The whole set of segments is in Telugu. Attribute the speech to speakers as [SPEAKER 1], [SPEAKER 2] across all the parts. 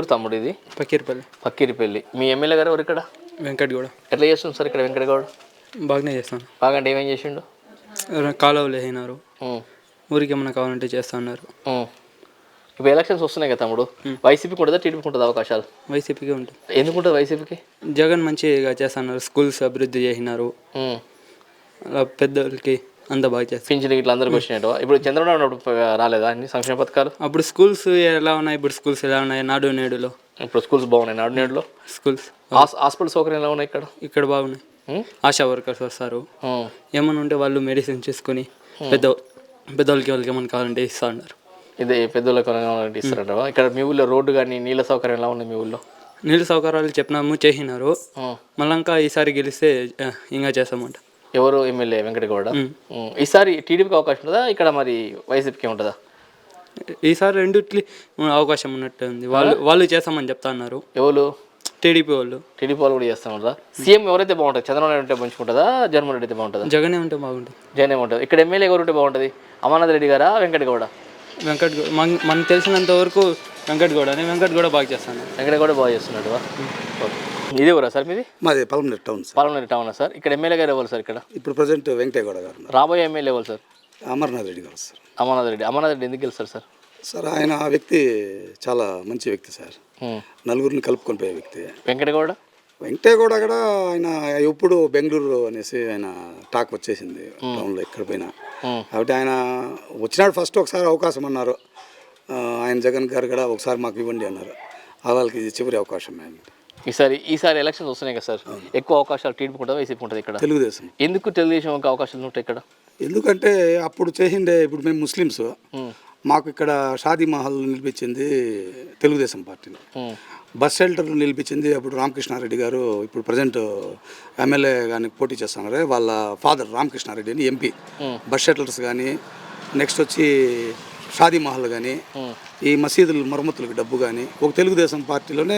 [SPEAKER 1] తమ్ముడు ఇది?
[SPEAKER 2] పకీర్పల్లి.
[SPEAKER 1] పక్కిరిపల్లి. మీ ఎమ్మెల్యే గారు ఎవరు ఇక్కడ?
[SPEAKER 2] వెంకటగౌడ.
[SPEAKER 1] ఎట్లా చేస్తుంది సార్ ఇక్కడ వెంకటగౌడ?
[SPEAKER 2] బాగానే చేస్తాను.
[SPEAKER 1] బాగా అంటే ఏమేం చేసిండు?
[SPEAKER 2] కాలువలు వేసినారు, ఊరికి ఏమన్నా కావాలంటే చేస్తా ఉన్నారు.
[SPEAKER 1] ఇప్పుడు ఎలక్షన్స్ వస్తున్నాయి కదా తమ్ముడు, వైసీపీకి ఉంటుందా టీడీపీకి ఉంటుందా అవకాశాలు?
[SPEAKER 2] వైసీపీకి ఉంటుంది.
[SPEAKER 1] ఎందుకు ఉంటుంది వైసీపీకి?
[SPEAKER 2] జగన్ మంచిగా చేస్తున్నారు, స్కూల్స్ అభివృద్ధి చేసినారు, అలా పెద్దోళ్ళకి అంత బాగా చేస్తారు.
[SPEAKER 1] పింఛన్ ఇట్లా అందరికి వచ్చినట్టు. ఇప్పుడు చంద్రబాబు ఉన్నప్పుడు రాలేదా అన్ని సంక్షేమ పథకాలు?
[SPEAKER 2] అప్పుడు స్కూల్స్ ఎలా ఉన్నాయి, ఇప్పుడు స్కూల్స్ ఎలా ఉన్నాయి? నాడు నేడులో
[SPEAKER 1] ఇప్పుడు స్కూల్స్ బాగున్నాయి. నాడు నేడులో
[SPEAKER 2] స్కూల్స్,
[SPEAKER 1] హాస్పిటల్ సౌకర్యం ఎలా ఉన్నాయి ఇక్కడ?
[SPEAKER 2] ఇక్కడ బాగున్నాయి. ఆశా వర్కర్స్ వస్తారు, ఏమన్నా ఉంటే వాళ్ళు మెడిసిన్ చేసుకుని పెద్దవాళ్ళకి వాళ్ళకి ఏమన్నా కావాలంటే ఇస్తా ఉన్నారు.
[SPEAKER 1] ఇదే పెద్దోళ్ళకి ఇస్తారంట. ఇక్కడ మీ ఊళ్ళో రోడ్డు కానీ నీళ్ళ సౌకర్యం ఎలా ఉన్నాయి? మీ ఊళ్ళో
[SPEAKER 2] నీళ్ళ సౌకర్యాలు చెప్పినాము, చేసినారు. మళ్ళీ ఇంకా ఈసారి గెలిస్తే ఇంకా చేస్తామంట.
[SPEAKER 1] ఎవరు ఎమ్మెల్యే? వెంకటగౌడ. ఈసారి టీడీపీకి అవకాశం ఉంటుందా ఇక్కడ, మరి వైసీపీకి ఉంటుందా?
[SPEAKER 2] ఈసారి రెండిట్లీ అవకాశం ఉన్నట్టు ఉంది. వాళ్ళు చేస్తామని చెప్తా ఉన్నారు.
[SPEAKER 1] ఎవరు?
[SPEAKER 2] టీడీపీ వాళ్ళు.
[SPEAKER 1] టీడీపీ వాళ్ళు కూడా చేస్తామంటారా? సీఎం ఎవరైతే బాగుంటుంది? చంద్రబాబు నాయుడు ఉంటే మంచిగుంటుందా, జగన్మోహన్ రెడ్డి అయితే బాగుంటుందా?
[SPEAKER 2] జగనే ఉంటే బాగుంటుంది.
[SPEAKER 1] జగనే ఉంటుంది. ఇక్కడ ఎమ్మెల్యే ఎవరు ఉంటే బాగుంటుంది? అమర్నాథ్ రెడ్డి గారా, వెంకటగౌడ?
[SPEAKER 2] వెంకటగౌడ. మనకు తెలిసినంత వరకు వెంకటగౌడ బాగా చేస్తాను.
[SPEAKER 1] వెంకటగౌడ బాగా చేస్తున్నాడు. ఇదే ఊరా సార్ మీది?
[SPEAKER 3] మాది పలమనేరు టౌన్ సార్.
[SPEAKER 1] పలమనేరు టౌనా సార్? ఇక్కడ ఎమ్మెల్యే గారు ఎవరు సార్? ఇక్కడ
[SPEAKER 3] ఇప్పుడు ప్రజెంట్ వెంకటగౌడ గారు.
[SPEAKER 1] రాబోయే ఎమ్మెల్యే ఎవరు సార్?
[SPEAKER 3] అమర్నాథ్ రెడ్డి గారు సార్.
[SPEAKER 1] అమర్నాథ్ రెడ్డి. అమర్నాథ్ రెడ్డి ఎందుకు గెలుస్తారు సార్?
[SPEAKER 3] సార్ ఆయన వ్యక్తి చాలా మంచి వ్యక్తి సార్, నలుగురిని కలుపుకొని పోయే వ్యక్తి.
[SPEAKER 1] వెంకటగౌడ
[SPEAKER 3] కూడా ఆయన ఎప్పుడు బెంగళూరు అనేసి ఆయన టాక్ వచ్చేసింది టౌన్లో ఎక్కడ పోయినా. కాబట్టి ఆయన వచ్చినాడు ఫస్ట్ ఒకసారి అవకాశం అన్నారు, ఆయన జగన్ గారు కూడా ఒకసారి మాకు ఇవ్వండి అన్నారు. వాళ్ళకి ఇది చివరి అవకాశం.
[SPEAKER 1] ఈసారి ఎలక్షన్స్ వస్తున్నాయి కదా సార్, ఎక్కువ అవకాశాలు టీడీపీ ఉంటుంది వైసీపీ ఉంటుంది ఇక్కడ?
[SPEAKER 3] తెలుగుదేశం.
[SPEAKER 1] ఎందుకు తెలుగుదేశం అవకాశాలు ఉంటాయి ఇక్కడ?
[SPEAKER 3] ఎందుకంటే అప్పుడు చేసిండే, ఇప్పుడు మేము ముస్లిమ్స్, మాకు ఇక్కడ షాదీ మహల్ నిలిపించింది తెలుగుదేశం పార్టీని. బస్ షెల్టర్ నిలిపించింది అప్పుడు రామకృష్ణారెడ్డి గారు, ఇప్పుడు ప్రజెంట్ ఎమ్మెల్యే కానీ పోటీ చేస్తున్నారు, వాళ్ళ ఫాదర్ రామకృష్ణారెడ్డి అని ఎంపీ. బస్ షెల్టర్స్ కానీ, నెక్స్ట్ వచ్చి షాదీ మహల్ కానీ, ఈ మసీదుల మరమ్మతులకు డబ్బు కానీ ఒక తెలుగుదేశం పార్టీలోనే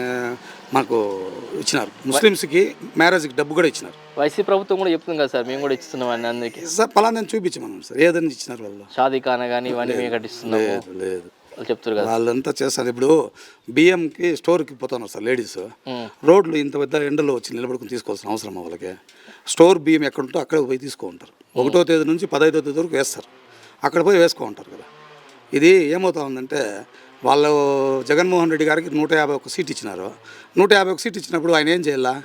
[SPEAKER 3] మాకు ఇచ్చినారు. ముస్లిమ్స్కి మ్యారేజ్కి డబ్బు కూడా ఇచ్చినారు.
[SPEAKER 1] వైసీపీ ప్రభుత్వం కూడా చెప్తుంది కదా సార్, మేము కూడా ఇస్తున్నాం అని అందరికీ.
[SPEAKER 3] సార్ పలానా చూపించమన్నాం సార్, ఏదైనా ఇచ్చినారు వాళ్ళు.
[SPEAKER 1] షాదీ ఖానా కానీ ఇవన్నీ మేము కట్టిస్తున్నాము
[SPEAKER 3] లేదు
[SPEAKER 1] వాళ్ళు చెప్తారు కదా.
[SPEAKER 3] వాళ్ళంతా చేస్తారు. ఇప్పుడు బియ్యంకి స్టోర్కి పోతున్నారు సార్ లేడీస్, రోడ్లు ఇంత పెద్ద ఎండలో వచ్చి నిలబడుకుని తీసుకోవాల్సిన అవసరం వాళ్ళకి. స్టోర్ బియ్యం ఎక్కడ ఉంటో అక్కడ పోయి తీసుకోంటారు. 1వ తేదీ నుంచి 15వ తేదీ వరకు వేస్తారు, అక్కడ పోయి వేసుకో ఉంటారు కదా. ఇది ఏమవుతా ఉందంటే, వాళ్ళు జగన్మోహన్ రెడ్డి గారికి 151 సీట్ ఇచ్చినారు. 151 సీట్ ఇచ్చినప్పుడు ఆయన ఏం చేయాలా?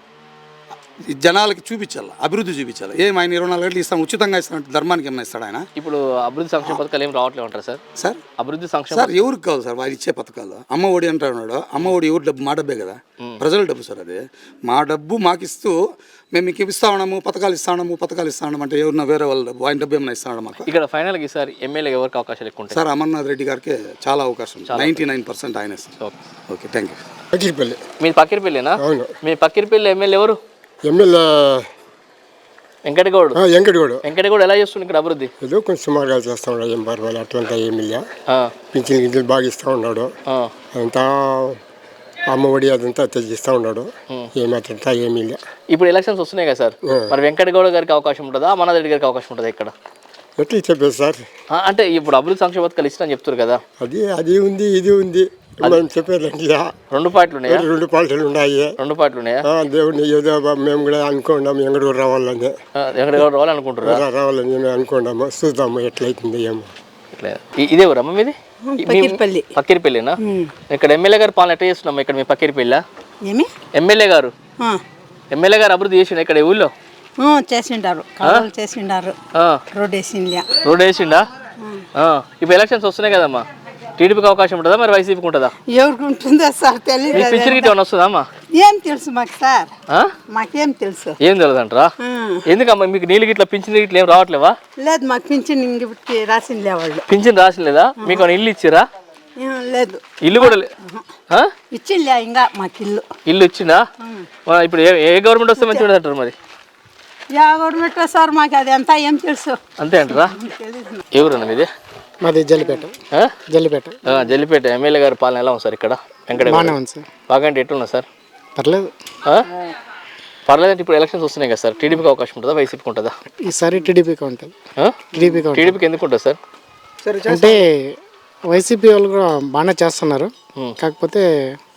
[SPEAKER 3] జనాలకి చూపించాలి, అభివృద్ధి చూపించాలి. ఆయన 24 గంటలు ఇస్తాను, ఉచితంగా ఇస్తాను, ధర్మానికి ఏమైనా ఇస్తాడు ఆయన?
[SPEAKER 1] ఇప్పుడు అభివృద్ధి సంక్షేమ పథకాలు ఏం రావట్లేదు అంటారు సార్?
[SPEAKER 3] సార్
[SPEAKER 1] అభివృద్ధి సంక్షేమ
[SPEAKER 3] సార్ ఎవరికి కావాలి సార్ వాళ్ళు ఇచ్చే పథకాలు? అమ్మ ఒడి అంటున్నాడు, అమ్మ ఒడి ఎవరి డబ్బు? మా డబ్బే కదా, ప్రజల డబ్బు సార్. అది మా డబ్బు మాకు ఇస్తూ మేము మీకు ఇస్తా ఉన్నాము, పథకాలు ఇస్తాము అంటే ఎవరిన వేరే వాళ్ళ డబ్బు, ఆయన డబ్బు ఏమైనా ఇస్తాడు మాకు?
[SPEAKER 1] ఇక్కడ ఫైనల్గా ఈసారి ఎమ్మెల్యే ఎవరికి అవకాశాలు ఎక్కువ ఉంటాయి?
[SPEAKER 3] సార్ అమర్నాథ్ రెడ్డి గారికి చాలా అవకాశం, 99% ఆయనే sir. Okay, thank you.
[SPEAKER 4] Pakirpalli.
[SPEAKER 1] మీ పక్కిరిపల్లినా?
[SPEAKER 4] అవును.
[SPEAKER 1] మీ పక్కిరిపల్లి ఎమ్మెల్యే ఎవరు?
[SPEAKER 4] ఎమ్మెల్యే
[SPEAKER 1] వెంకటగౌడ. వెంకటగౌడ ఎలా చేస్తుండే ఇక్కడ అభివృద్ధి?
[SPEAKER 4] ఏదో కొంచెం సుమారుగా చేస్తా ఉన్నాడు, ఏం పర్వాలేదు, అట్లంతా ఏమి లే. పింఛన్ గింజలు బాగా ఇస్తూ ఉన్నాడు, అదంతా అమ్మఒడి అదంతా తెచ్చిస్తూ ఉన్నాడు, ఏమి అట్లంతా ఏమీ లే.
[SPEAKER 1] ఇప్పుడు ఎలక్షన్స్ వస్తున్నాయి కదా సార్, మరి వెంకటగౌడ గారికి అవకాశం ఉంటుందా, అమర్నాథ్ రెడ్డి గారికి అవకాశం ఉంటుందా ఇక్కడ?
[SPEAKER 4] ఎట్లా చెప్పేది సార్?
[SPEAKER 1] అంటే ఇప్పుడు అభివృద్ధి సంక్షేమ పథకాలు ఇష్టం చెప్తారు కదా,
[SPEAKER 4] అది ఉంది ఇది ఉంది మనం చెప్పేదండి.
[SPEAKER 1] 2 పార్టీలు ఉన్నాయా?
[SPEAKER 4] 2 పార్టీలు ఉన్నాయి.
[SPEAKER 1] 2 పార్టీలు ఉన్నాయా?
[SPEAKER 4] దేవుడిని ఏదో మేము కూడా అనుకున్నాము, వెంకటగౌడ రావాలని.
[SPEAKER 1] వెంకటగౌడ రావాలనుకుంటారా?
[SPEAKER 4] రావాలని మేము అనుకున్నాము, చూద్దాము ఎట్లయితుంది ఏమో.
[SPEAKER 1] ఇదే ఊరమ్మ మీది? పక్కిరిపల్లినా? ఇక్కడ ఎమ్మెల్యే గారు పాలన ఎట్లా చేస్తున్నాం ఇక్కడ? మీ పక్కిరిపల్లి ఎమ్మెల్యే గారు అభివృద్ధి చేసిండు ఇక్కడ ఊళ్ళో?
[SPEAKER 5] చేసిండారు,
[SPEAKER 1] రోడ్ వేసిండా? ఇప్పుడు ఎలక్షన్స్ వస్తున్నాయి కదమ్మా, టీడీపీకి అవకాశం ఉంటుందా మరి వైసీపీకి ఉంటుందా?
[SPEAKER 5] ఎవరికి ఉంటుందా సార్ తెలియదు.
[SPEAKER 1] పింఛన్ గిట్ట ఏమైనా వస్తుందమ్మా?
[SPEAKER 5] ఏం తెలుసు మాకు సార్, మాకేం తెలుసు.
[SPEAKER 1] ఏం తెలియదు అంటారా? ఎందుకమ్మా మీకు నీళ్ళు గిట్ల పింఛన్ గిట్ల ఏం రావట్లేవా?
[SPEAKER 5] లేదు, మాకు పింఛన్ ఇంక రాసింది వాళ్ళు.
[SPEAKER 1] పింఛన్ రాసిలేదా? మీకు ఇల్లు ఇచ్చిరా?
[SPEAKER 5] లేదు,
[SPEAKER 1] ఇల్లు కూడా
[SPEAKER 5] ఇచ్చిందా ఇంకా మాకు
[SPEAKER 1] ఇల్లు ఇచ్చిందా? ఇప్పుడు ఏ గవర్నమెంట్ వస్తే మంచిగా అంటారు మరి?
[SPEAKER 5] గవర్నమెంట్ సార్ మాకు అది అంతా ఏం తెలుసు.
[SPEAKER 1] అంతే అంటారా? ఎవరన్నా మీది?
[SPEAKER 4] మాది జల్లిపేట.
[SPEAKER 1] జల్లిపేట ఎమ్మెల్యే గారి పాలన ఎలా ఉంది సార్ ఇక్కడ? బాగా అంటే ఎట్లున్నా సార్?
[SPEAKER 4] పర్లేదు.
[SPEAKER 1] పర్లేదంటే ఇప్పుడు ఎలక్షన్స్ వస్తున్నాయి కదా సార్, టీడీపీకి అవకాశం ఉంటుందా వైసీపీకి ఉంటుందా?
[SPEAKER 4] ఈసారి టీడీపీకి ఉంటుంది.
[SPEAKER 1] టీడీపీకి ఎందుకు ఉంటుంది సార్?
[SPEAKER 4] అంటే వైసీపీ వాళ్ళు కూడా బాగానే చేస్తున్నారు, కాకపోతే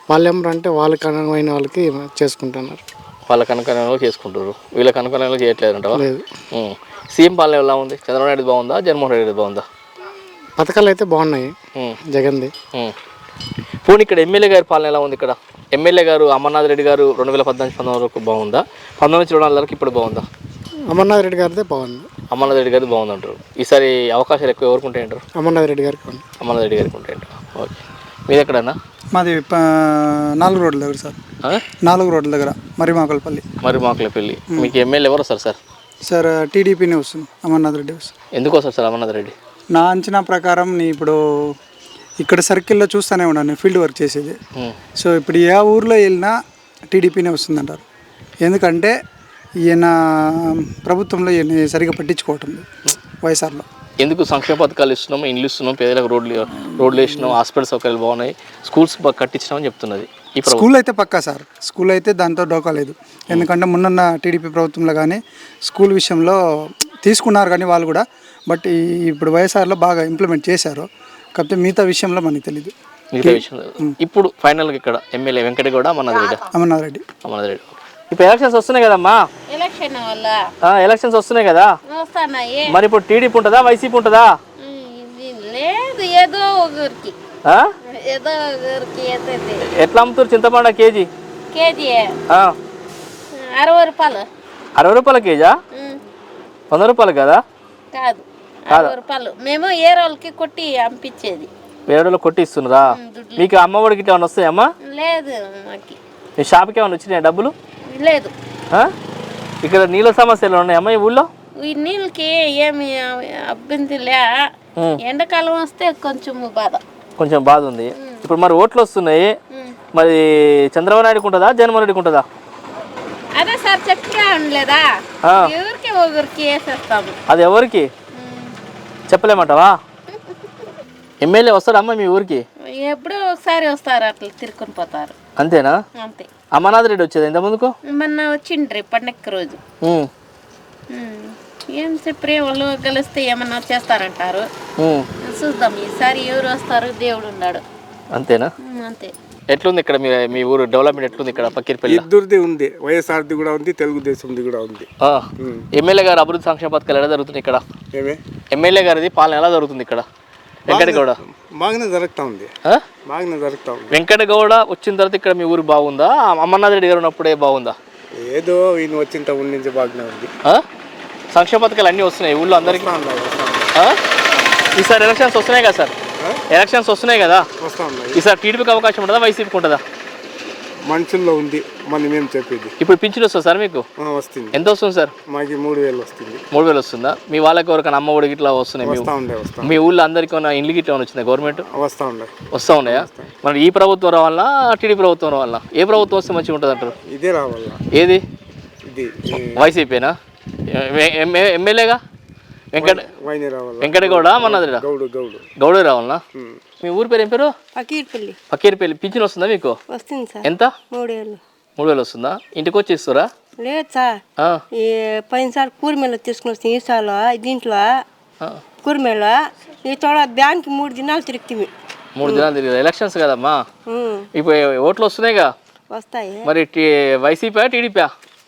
[SPEAKER 6] వాళ్ళు ఏమంటే వాళ్ళకి అనువైన వాళ్ళకి చేసుకుంటున్నారు.
[SPEAKER 1] వాళ్ళకి అనుకూలంగా చేసుకుంటారు, వీళ్ళకి అనుకూలంగా చేయట్లేదు అంటావా?
[SPEAKER 6] లేదు.
[SPEAKER 1] సీఎం పాలన ఎలా ఉంది? చంద్రబాబు నాయుడు బాగుందా, జగన్మోహన్ రెడ్డి బాగుందా?
[SPEAKER 6] పథకాలు అయితే బాగున్నాయి జగన్ది.
[SPEAKER 1] పోనీ ఇక్కడ ఎమ్మెల్యే గారి పాలన ఎలా ఉంది? ఇక్కడ ఎమ్మెల్యే గారు అమర్నాథ్ రెడ్డి గారు 2014-19 వరకు బాగుందా, 19-24 వరకు ఇప్పుడు బాగుందా?
[SPEAKER 6] అమర్నాథ్ రెడ్డి గారిదే బాగుంది.
[SPEAKER 1] అమర్నాథ్ రెడ్డి గారిది బాగుంది అంటారు. ఈసారి అవకాశాలు ఎక్కువ ఎవరికి ఉంటాయంటారు?
[SPEAKER 6] అమర్నాథ్ రెడ్డి గారికి ఉంది.
[SPEAKER 1] అమర్నాథ్ రెడ్డి గారికి ఉంటాయంటారు. ఓకే, మీది ఎక్కడన్నా?
[SPEAKER 7] మాది 4 రోడ్ల దగ్గర సార్. 4 రోడ్ల దగ్గర మరిమాకులపల్లి.
[SPEAKER 1] మరిమాకులపల్లి. మీకు ఎమ్మెల్యే ఎవరు వస్తారు సార్?
[SPEAKER 7] సార్ టీడీపీనే వస్తుంది, అమర్నాథ్ రెడ్డి వస్తుంది.
[SPEAKER 1] ఎందుకు వస్తారు సార్ అమర్నాథ్ రెడ్డి?
[SPEAKER 7] నా అంచనా ప్రకారం ఇప్పుడు ఇక్కడ సర్కిల్లో చూస్తూనే ఉన్నాను ఫీల్డ్ వర్క్ చేసేది. సో ఇప్పుడు ఏ ఊర్లో వెళ్ళినా టీడీపీనే వస్తుందంటారు. ఎందుకంటే ఈయన ప్రభుత్వంలో ఈయన సరిగా పట్టించుకోవటం లేదు వైఎస్ఆర్లో.
[SPEAKER 1] ఎందుకు సంక్షేమ పథకాలు ఇస్తున్నాం, ఇండ్లు ఇస్తున్నాం, పేదలకు రోడ్లు వేసినాం, హాస్పిటల్ సౌకర్యాలు బాగున్నాయి, స్కూల్స్ కట్టించినామని చెప్తున్నది.
[SPEAKER 7] స్కూల్ అయితే పక్కా సార్, స్కూల్ అయితే దాంతో డోకా లేదు. ఎందుకంటే మొన్న టీడీపీ ప్రభుత్వంలో కానీ స్కూల్ విషయంలో తీసుకున్నారు కానీ వాళ్ళు కూడా, బట్ ఇప్పుడు వైఎస్ఆర్లో బాగా ఇంప్లిమెంట్ చేశారు. కాకపోతే మిగతా విషయంలో మనకి తెలియదు.
[SPEAKER 1] మిగతా విషయంలో ఇప్పుడు ఫైనల్గా ఇక్కడ ఎమ్మెల్యే వెంకటగౌడ,
[SPEAKER 7] అమర్నాథ్ రెడ్డి.
[SPEAKER 1] ఇప్పుడు ఎలక్షన్స్ వస్తున్నాయి కదమ్మా, ఎలక్షన్స్ వస్తున్నాయి కదా, మరి ఇప్పుడు టీడీపీ ఉంటుందా, వైసీపీ ఉంటుందా?
[SPEAKER 8] లేదు, ఏదో ఒకరికి
[SPEAKER 1] ఎట్లా అమ్ముతారు చింతపండు కేజీ?
[SPEAKER 8] కేజీ 60 రూపాయలు.
[SPEAKER 1] 60 రూపాయల కేజా? 100 రూపాయలు కదా?
[SPEAKER 8] కాదు, 60 రూపాయలు. మేము ఏ రోజులకి కొట్టి పంపించేది.
[SPEAKER 1] వేరే రోజులు కొట్టి ఇస్తున్నారా? మీకు అమ్మఒడికి ఏమైనా వస్తాయమ్మా?
[SPEAKER 8] లేదు, మాకి
[SPEAKER 1] మీ షాప్కి ఏమైనా వచ్చినాయా డబ్బులు?
[SPEAKER 8] లేదు.
[SPEAKER 1] ఇక్కడ నీళ్ళ సమస్యలు ఉన్నాయమ్మా ఈ ఊళ్ళో?
[SPEAKER 8] ఈ నీళ్ళకి ఏమి అభ్యంతరలే. ఎండాకాలం వస్తే కొంచెం బాధ ఉంది. ఇప్పుడు మరి ఓట్లు వస్తున్నాయి, మరి చంద్రబాబు నాయుడుకి ఉంటుందా, జగన్మోహన్ రెడ్డికి ఉంటుందా? అదే సార్ చెప్పగా ఉండలేదా, ఎవరికి ఒకరికి వేసేస్తాము.
[SPEAKER 1] అది ఎవరికి చెప్పలేమంటావా? ఎమ్మెల్యే వస్తాడమ్మా మీ ఊరికి?
[SPEAKER 8] ఎప్పుడో ఒకసారి వస్తారు, అట్లా తిరుక్కుని పోతారు.
[SPEAKER 1] అంతేనా?
[SPEAKER 8] అంతే.
[SPEAKER 1] అమర్నాథ్ రెడ్డి వచ్చేది ఇంత ముందుకు?
[SPEAKER 8] మొన్న వచ్చిండ్రి పండగ రోజు. ఏం చెప్పే వాళ్ళు కలిస్తే ఏమన్నా చేస్తారంటారు. చూద్దాం ఈసారి ఎవరు వస్తారు, దేవుడు ఉన్నాడు.
[SPEAKER 1] అంతేనా?
[SPEAKER 8] అంతే.
[SPEAKER 1] ఎట్లుంది ఇక్కడ మీ ఊరు డెవలప్మెంట్ ఎట్లుంది? ఇక్కడ పక్కీర్పల్లి
[SPEAKER 9] ఇద్దరిది ఉంది, వైఎస్ఆర్ది కూడా ఉంది, తెలుగుదేశంది కూడా ఉంది.
[SPEAKER 1] ఎమ్మెల్యే గారు అభివృద్ధి సంక్షేమ పథకాలు ఎలా జరుగుతుంది ఇక్కడ? ఎమ్మెల్యే గారిది పాలన ఎలా జరుగుతుంది ఇక్కడ? వెంకటగౌడ
[SPEAKER 9] బాగానే జరుగుతూ ఉంది.
[SPEAKER 1] వెంకటగౌడ వచ్చిన తర్వాత ఇక్కడ మీ ఊరు బాగుందా, అమర్నాథ్ రెడ్డి గారు ఉన్నప్పుడే బాగుందా?
[SPEAKER 9] ఏదో ఈయన వచ్చిన ఊరి నుంచి బాగానే ఉంది.
[SPEAKER 1] సంక్షేమ పథకాలు అన్నీ వస్తున్నాయి ఊళ్ళో అందరికీ? ఈసారి ఎలక్షన్స్ వస్తున్నాయి కదా సార్, ఎలక్షన్స్ వస్తున్నాయి కదా, ఈసారి టీడీపీకి అవకాశం ఉంటుందా, వైసీపీకి ఉంటుందా?
[SPEAKER 9] మనుషుల్లో ఉంది, మనం మేము చెప్పేది.
[SPEAKER 1] ఇప్పుడు పింఛన్ వస్తుంది సార్ మీకు?
[SPEAKER 9] వస్తుంది.
[SPEAKER 1] ఎంత వస్తుంది సార్?
[SPEAKER 9] మాకు 3000 వస్తుంది.
[SPEAKER 1] 3000 వస్తుందా? మీ వాళ్ళకి ఎవరికైనా అమ్మ ఒడి గిట్లా వస్తున్నాయి? మీ ఊళ్ళో అందరికీ ఇండ్లు గిట్లా వచ్చిందా గవర్నమెంట్? వస్తూ ఉన్నాయా? మరి ఈ ప్రభుత్వం రావాలా, టీడీ ప్రభుత్వం రావాలా? ఏ ప్రభుత్వం వస్తే మంచిగా ఉంటుంది అంటారు?
[SPEAKER 9] ఇదే రావాలా.
[SPEAKER 1] ఏది? వైసీపీనా? ఎమ్మెల్యేగా వెంకటగౌడ, అమర్నాథ్ రెడ్డి? గౌడే రావాలనా? మీ ఊరి పేరు ఏం పేరు? పకీర్పల్లి. పింఛన్ వస్తుందా మీకు?
[SPEAKER 5] వస్తుంది సార్.
[SPEAKER 1] ఎంత? 3000 వస్తుందా? ఇంటికి వచ్చి ఇస్తారా?
[SPEAKER 5] లేదు సార్, ఈ పోయినసారి కూరమేళ తీసుకుని వస్తుంది, ఈసారి దీంట్లో కూరమేళ ఈ చోట బ్యాంక్ 3 దినాలు తిరుగుతుంది.
[SPEAKER 1] 3 దినాలు తిరిగి ఎలక్షన్స్ కదమ్మా, ఇప్పుడు ఓట్లు వస్తున్నాయిగా,
[SPEAKER 5] వస్తాయి.
[SPEAKER 1] మరి వైసీపీ టీడీపీ?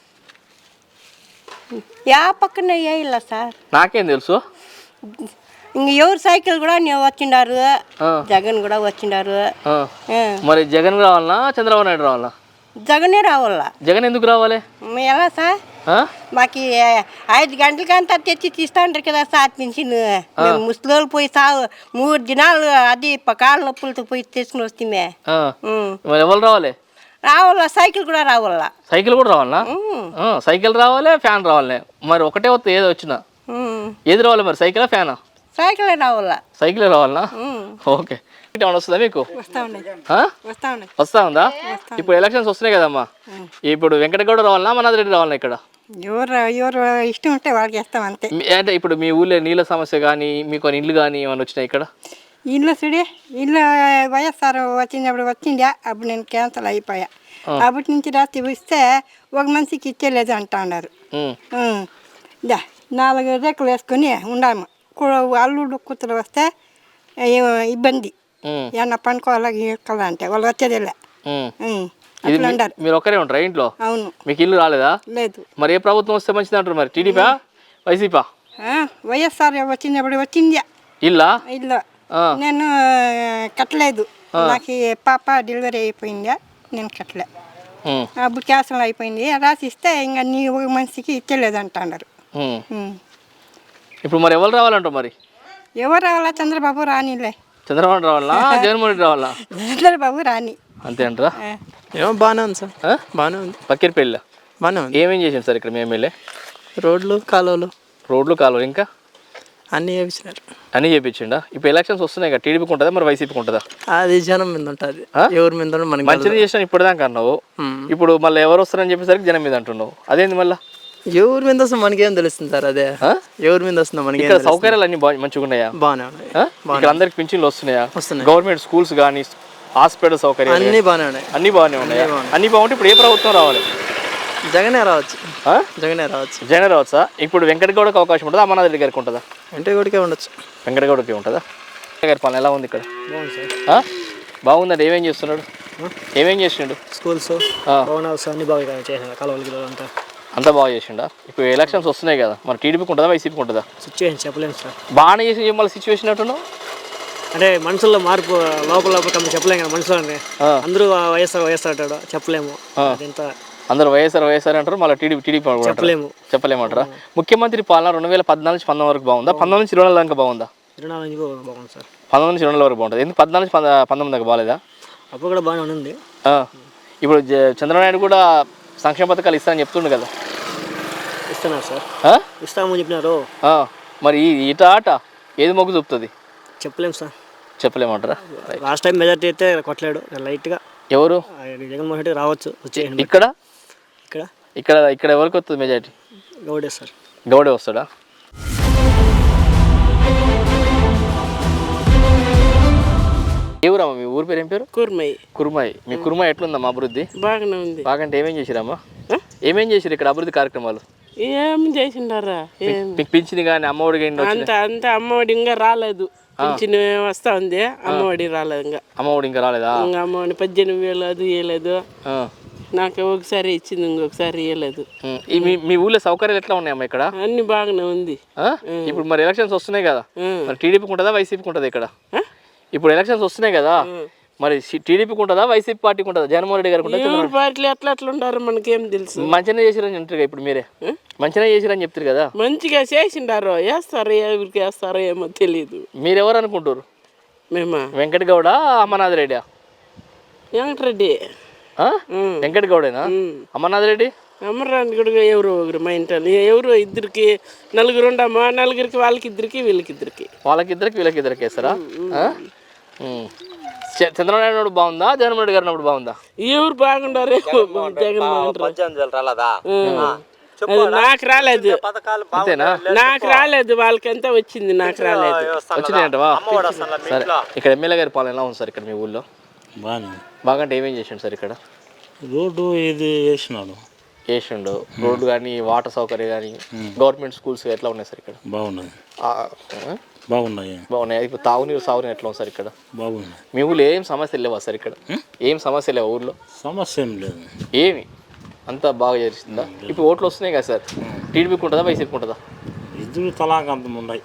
[SPEAKER 5] యా పక్కన వేయాల సార్,
[SPEAKER 1] నాకేం తెలుసు.
[SPEAKER 5] ఇంక ఎవరు సైకిల్ కూడా వచ్చిండారు, జగన్ కూడా వచ్చిండారు.
[SPEAKER 1] మరి జగన్ రావాలనా, చంద్రబాబు నాయుడు రావాలా?
[SPEAKER 5] జగనే రావాలా.
[SPEAKER 1] జగన్ ఎందుకు రావాలి?
[SPEAKER 5] ఎలా సార్, మాకు 5 గంటలకంతా తెచ్చి తీస్తాంటారు కదా సార్ పింఛన్. మేము ముసలోళ్ళు పోయి 3 దినాలు అది కాళ్ళ నొప్పులతో పోయి తీసుకుని వస్తే
[SPEAKER 1] ఎవరు రావాలి?
[SPEAKER 5] రావాలా, సైకిల్ కూడా రావాలా.
[SPEAKER 1] సైకిల్ కూడా రావాలా? సైకిల్ రావాలి, ఫ్యాన్ రావాలి. మరి ఒకటే వస్తే ఏదో వచ్చినా ఏది రావాలి మరి, సైకిలా ఫ్యానా?
[SPEAKER 5] సైకిలే రావాలా.
[SPEAKER 1] సైకిలే రావాలనా? ఓకే. ఏమైనా వస్తుందా మీకు? వస్తా ఉందా? ఇప్పుడు ఎలక్షన్స్ వస్తున్నాయి కదమ్మా, ఇప్పుడు వెంకటగౌడ రావాలనా, అమర్నాథ్ రెడ్డి రావాలనా? ఇక్కడ
[SPEAKER 5] ఎవరు ఇష్టం ఉంటే వాళ్ళకి వేస్తాం అంతే.
[SPEAKER 1] అంటే ఇప్పుడు మీ ఊళ్ళో నీళ్ళ సమస్య కానీ, మీకు ఇండ్లు కానీ ఏమైనా వచ్చినాయి ఇక్కడ?
[SPEAKER 5] ఇల్లు చూడే, ఇల్లు వైఎస్ఆర్ వచ్చినప్పుడు వచ్చిండే, అప్పుడు నేను క్యాన్సల్ అయిపోయా. అప్పటి నుంచి రాత్రి ఇస్తే ఒక మనిషికి ఇచ్చేలేదు అంటా ఉన్నారు. 4 రేకులు వేసుకొని ఉండాము. అల్లుడు కూతురు వస్తే ఇబ్బంది, ఏమన్నా పండుకోవాలా అంటే వాళ్ళు వచ్చేదిలే.
[SPEAKER 1] ఇది మీరు ఒక్కరే ఉంటారా ఇంట్లో?
[SPEAKER 5] అవును.
[SPEAKER 1] మీకు ఇల్లు రాలేదా?
[SPEAKER 5] లేదు.
[SPEAKER 1] మరి ఏ ప్రభుత్వం వస్తే మంచిది అంటారు? మరి టీడీపా వైసీపా?
[SPEAKER 5] వైఎస్ఆర్ వచ్చినప్పుడు వచ్చింది
[SPEAKER 1] ఇల్లా?
[SPEAKER 5] ఇల్లు నేను కట్టలేదు. నాకు పాప డెలివరీ అయిపోయిందా, నేను కట్టలే. అప్పుడు క్యాన్సల్ అయిపోయింది. రాసిస్తే ఇంకా నీ ఒక మనిషికి ఇచ్చలేదు అంటున్నారు.
[SPEAKER 1] ఇప్పుడు మరి ఎవరు రావాలంటారు? మరి
[SPEAKER 5] ఎవరు రావాలా? చంద్రబాబు రానిలే.
[SPEAKER 1] చంద్రబాబు రావాలా? జగన్మోహన్ రెడ్డి రావాలా?
[SPEAKER 5] చంద్రబాబు రాని.
[SPEAKER 1] అంతే అంటారా?
[SPEAKER 2] ఏమో బాగానే ఉంది సార్, బాగానే ఉంది.
[SPEAKER 1] పక్కిరిపల్లి
[SPEAKER 2] బాగానే ఉంది.
[SPEAKER 1] ఏమేం చేసాం సార్ ఇక్కడ మీ ఎమ్మెల్యే?
[SPEAKER 2] రోడ్లు కాలువలు
[SPEAKER 1] ఇంకా
[SPEAKER 2] అన్నీ చేపించినారు.
[SPEAKER 1] అన్నీ చేయించిండా? ఇప్పుడు ఎలక్షన్స్ వస్తున్నాయి కదా, టీడీపీకి ఉంటుందా మరి వైసీపీకి ఉంటుందా?
[SPEAKER 2] అది జనం మీద ఉంటుంది, ఎవరి మీద మనకి.
[SPEAKER 1] మంచిగా చేసినా ఇప్పటిదాకా అన్నావు, ఇప్పుడు మళ్ళీ ఎవరు వస్తారని చెప్పేసరికి జనం మీద అంటున్నావు. అదేంది మళ్ళీ?
[SPEAKER 2] ఎవరి మీద వస్తుందో మనకేం తెలుస్తుంది సార్. అదే ఎవరి మీద వస్తుందో మనకి.
[SPEAKER 1] ఇక్కడ సౌకర్యాలు అన్ని మంచిగా ఉన్నాయా?
[SPEAKER 2] బాగానే ఉన్నాయి.
[SPEAKER 1] ఇక్కడ అందరికి పింఛన్లు వస్తున్నాయా?
[SPEAKER 2] వస్తున్నాయి.
[SPEAKER 1] గవర్నమెంట్ స్కూల్స్ కానీ హాస్పిటల్ సౌకర్యాలు
[SPEAKER 2] అన్నీ బాగానే ఉన్నాయి.
[SPEAKER 1] అన్నీ బాగానే ఉన్నాయా? అన్నీ బాగుంటే ఇప్పుడు ఏ ప్రభుత్వం రావాలి?
[SPEAKER 2] జగనే రావచ్చు. జగనే రావచ్చు.
[SPEAKER 1] జగనే రావచ్చా? ఇప్పుడు వెంకటగౌడకి అవకాశం ఉంటుందా, అమర్నాథ్ రెడ్డి గారికి ఉంటుందా?
[SPEAKER 2] వెంకటగౌడకే ఉండొచ్చు.
[SPEAKER 1] వెంకటగౌడకి ఉంటుందా? గారి పాలన ఎలా ఉంది ఇక్కడ? బాగుందండి. ఏమేం చేస్తున్నాడు? ఏమేం చేసిండు?
[SPEAKER 2] స్కూల్స్ భవనాలు అన్ని బాగా చేసిన కాలువలు అంతా
[SPEAKER 1] అంతా బాగా చేసిండా? ఇప్పుడు ఎలక్షన్స్ వస్తున్నాయి కదా, మరి టీడీపీకి ఉంటుందా వైసీపీకి ఉంటుందా?
[SPEAKER 2] సిచ్యువేషన్ చెప్పలేము సార్.
[SPEAKER 1] బాగానే చేసి మళ్ళీ సిచ్యువేషన్ అంటున్నావు
[SPEAKER 2] అంటే మనుషుల్లో మార్పు లోపల చెప్పలేము కదా. మనుషులు అందరూ వైఎస్ఆర్ అంటాడు, చెప్పలేము.
[SPEAKER 1] అందరూ వైఎస్ఆర్ అంటారు, మళ్ళీ టీడీపీ చెప్పలేమంటారా? ముఖ్యమంత్రి పాలన 2014 నుంచి 19 వరకు బాగుందా? 19 నుంచి 24 దాకా బాగుందా?
[SPEAKER 2] 24 బాగుంది సార్.
[SPEAKER 1] 19 నుంచి 24 వరకు బాగుంటుంది. ఎందుకు 14 నుంచి 19 దాకా బాగాలేదా?
[SPEAKER 2] అప్పుడు కూడా బాగానే ఉంది.
[SPEAKER 1] ఇప్పుడు చంద్రబాబు నాయుడు కూడా సంక్షేమ పథకాలు ఇస్తానని చెప్తుండు కదా.
[SPEAKER 2] ఇస్తున్నారు సార్, ఇస్తామని చెప్పినారు.
[SPEAKER 1] మరి ఇట ఆట ఏది మొగ్గు చూపుతుంది
[SPEAKER 2] చెప్పలేము సార్.
[SPEAKER 1] చెప్పలేమంటారా?
[SPEAKER 2] లాస్ట్ టైం మెజార్టీ అయితే కొట్టలేడు, లైట్గా.
[SPEAKER 1] ఎవరు?
[SPEAKER 2] జగన్మోహన్ రెడ్డి రావచ్చు.
[SPEAKER 1] ఇక్కడ
[SPEAKER 2] ఇక్కడ
[SPEAKER 1] ఇక్కడ ఇక్కడ ఎవరికి వస్తుంది మెజార్టీ?
[SPEAKER 2] గౌడే సార్.
[SPEAKER 1] గౌడే వస్తాడా? ఏ ఊరమ్మా మీ ఊరి పేరు? ఏం పేరు? కుర్మాయి. మీ కుర్మాయి ఎట్లుందమ్మా అభివృద్ధి?
[SPEAKER 8] బాగానే ఉంది.
[SPEAKER 1] బాగంటే ఏమేం చేసిరమ్మా? ఏమేం చేసిరు ఇక్కడ అభివృద్ధి కార్యక్రమాలు?
[SPEAKER 8] ఏం చేసిండారా?
[SPEAKER 1] మీకు పింఛని కానీ అమ్మఒడి కానీ?
[SPEAKER 8] అంత అమ్మఒడి ఇంకా రాలేదు. పింఛన్ వస్తా ఉంది, అమ్మఒడి రాలేదు. ఇంకా
[SPEAKER 1] అమ్మఒడి ఇంకా రాలేదా?
[SPEAKER 8] అమ్మఒడి 18,000 అది ఇవ్వలేదు. నాకు ఒకసారి ఇచ్చింది, ఇంకొకసారి ఇవ్వలేదు.
[SPEAKER 1] మీ ఊళ్ళో సౌకర్యాలు ఎట్లా ఉన్నాయమ్మా ఇక్కడ?
[SPEAKER 8] అన్ని బాగానే ఉంది.
[SPEAKER 1] ఇప్పుడు మరి ఎలక్షన్స్ వస్తున్నాయి కదా, మరి టీడీపీకి ఉంటుందా వైసీపీకి ఉంటుందా ఇక్కడ? ఇప్పుడు ఎలక్షన్స్ వస్తున్నాయి కదా, మరి టీడీపీకి ఉంటుందా వైసీపీ పార్టీకి ఉంటుందా? జగన్మోహన్ రెడ్డి గారికి ఉంటుందా?
[SPEAKER 8] పార్టీలు ఎట్లా ఉంటారు మనకేం తెలుసు.
[SPEAKER 1] మంచిగా చేసిరని అంటారు ఇప్పుడు మీరే, మంచిగా చేసిరని చెప్తారు కదా.
[SPEAKER 8] మంచిగా చేసిండారు, వేస్తారు, ఎవరికి వేస్తారో ఏమో తెలియదు.
[SPEAKER 1] మీరెవరు అనుకుంటారు?
[SPEAKER 8] మేమా
[SPEAKER 1] వెంకటగౌడ, అమర్నాథ్ రెడ్డి?
[SPEAKER 8] వెంకటరెడ్డి.
[SPEAKER 1] వెంకటగౌడేనా? అమర్నాథ్ రెడ్డి?
[SPEAKER 8] అమర్నాథ్ రెడ్డి ఎవరు ఒకరు మా ఇంట్లో ఎవరు ఇద్దరికి నలుగురు ఉండమ్మా, నలుగురికి వాళ్ళకిద్దరికి వీళ్ళకిద్దరికి
[SPEAKER 1] వీళ్ళకిద్దరికి వేస్తారా? చంద్రబాబు నాయుడు బాగుందా, జగన్మోహన్ రెడ్డి గారు ఉన్నప్పుడు బాగుందా?
[SPEAKER 8] ఎవరు బాగుండారు? నాకు రాలేదు.
[SPEAKER 1] అంతేనా?
[SPEAKER 8] నాకు రాలేదు, వాళ్ళకంతా వచ్చింది, నాకు రాలేదు.
[SPEAKER 1] వచ్చినాయంటవా? సరే, ఇక్కడ ఎమ్మెల్యే గారి పాలన ఎలా ఉంది సార్ ఇక్కడ మీ ఊళ్ళో? బాగంటే ఏమేం చేసిండు సార్ ఇక్కడ?
[SPEAKER 10] రోడ్డు ఇది వేసిండు.
[SPEAKER 1] రోడ్డు కానీ వాటర్ సౌకర్యం కానీ గవర్నమెంట్ స్కూల్స్ ఎట్లా ఉన్నాయి సార్ ఇక్కడ?
[SPEAKER 10] బాగున్నాయి.
[SPEAKER 1] ఇప్పుడు తాగునీరు సాగునీరు ఎట్లా ఉంది సార్ ఇక్కడ?
[SPEAKER 10] బాగున్నాయి.
[SPEAKER 1] మీ ఊళ్ళో ఏం సమస్యలు లేవా సార్ ఇక్కడ? ఏం సమస్య లేవా ఊళ్ళో?
[SPEAKER 10] సమస్య ఏం లేదు.
[SPEAKER 1] ఏమి అంతా బాగా చేస్తుందా? ఇప్పుడు ఓట్లు వస్తున్నాయి కదా సార్, టీడీపీకి ఉంటుందా వైసీపీకి ఉంటుందా?
[SPEAKER 10] ఇద్దరు తలాకంతం ఉన్నాయి.